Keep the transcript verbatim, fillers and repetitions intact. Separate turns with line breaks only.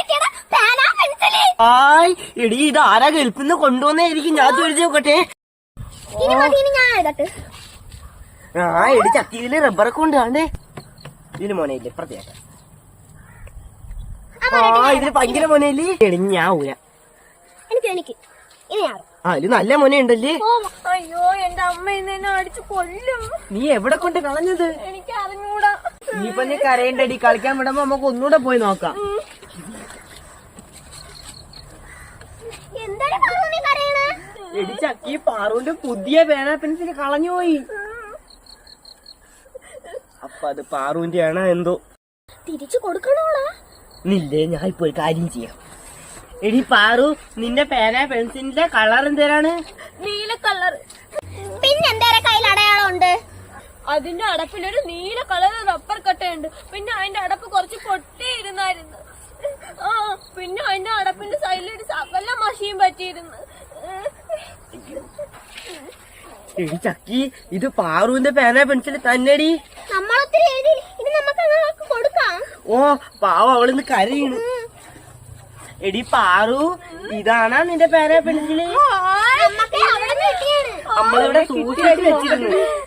ആയ് എടി ഇത് ആരാ ഗൾഫിന്ന് കൊണ്ടുവന്നായിരിക്കും. ഞാൻ ചോദിച്ചു നോക്കട്ടെ. ആ എടി ചക്കിയില് റബ്ബറൊക്കെ ഉണ്ട്. ആണ്ടേ ഇതിന് മോനയില്ലേ പ്രത്യേക. ആ ഇതിന് ഭയങ്കര മോനയില്ലേ. എടി ഞാൻ ഊര. ആ ഇത് നല്ല മോനുണ്ടല്ലേ.
അയ്യോ എന്റെ അമ്മ ഇന്ന് അടിച്ചു കൊല്ലും.
നീ എവിടെ കൊണ്ട് കളഞ്ഞത്?
എനിക്ക് അറിഞ്ഞൂടാ.
നീപ്പൊ നീ കരയണ്ടടി. കളിക്കാൻ വിടുമ്പോ നമുക്ക് ഒന്നുകൂടെ പോയി നോക്കാം. എടി ചക്കി പാറുവിന്റെ പുതിയ പേന പെൻസിൽ കളഞ്ഞുപോയി. അപ്പൊ അത് പാറുവിന്റെ ആണോ എന്തോ.
തിരിച്ചു കൊടുക്കണോളാ?
നില്ലേ ഞാൻ ഇപ്പൊ ഒരു കാര്യം ചെയ്യാം. എടി പാറു നിന്റെ പേന പെൻസിലിന്റെ കളർ എന്തേരാണ്?
നീല കളർ.
പിന്നെ എന്തേരെ കയ്യിൽ അടയാളം ഉണ്ട്?
അതിന്റെ അടപ്പിലൊരു നീല കളർ റബ്ബർ കട്ടയുണ്ട്. പിന്നെ അതിന്റെ അടപ്പ് കുറച്ച് പൊട്ടിയിരുന്നായിരുന്നു. ആ പിന്നെ അതിന്റെ അടപ്പിന്റെ സൈഡിലൊരു സകല മഷിയും പറ്റിയിരുന്നു.
എടി ചക്കി ഇത് പാറുവിന്റെ പേന പെൻസിൽ തന്നെടി.
നമ്മളൊത്തിരി എഴുതി. ഇത് നമുക്ക് അങ്ങ് കൊടുക്കാം.
ഓ പാവം അവളിന്ന് കരയാണ്. എടി പാറു ഇതാണാ നിന്റെ പേന പെൻസില്? നമ്മളിവിടെ സൂക്ഷിച്ചു വെച്ചിരുന്നു.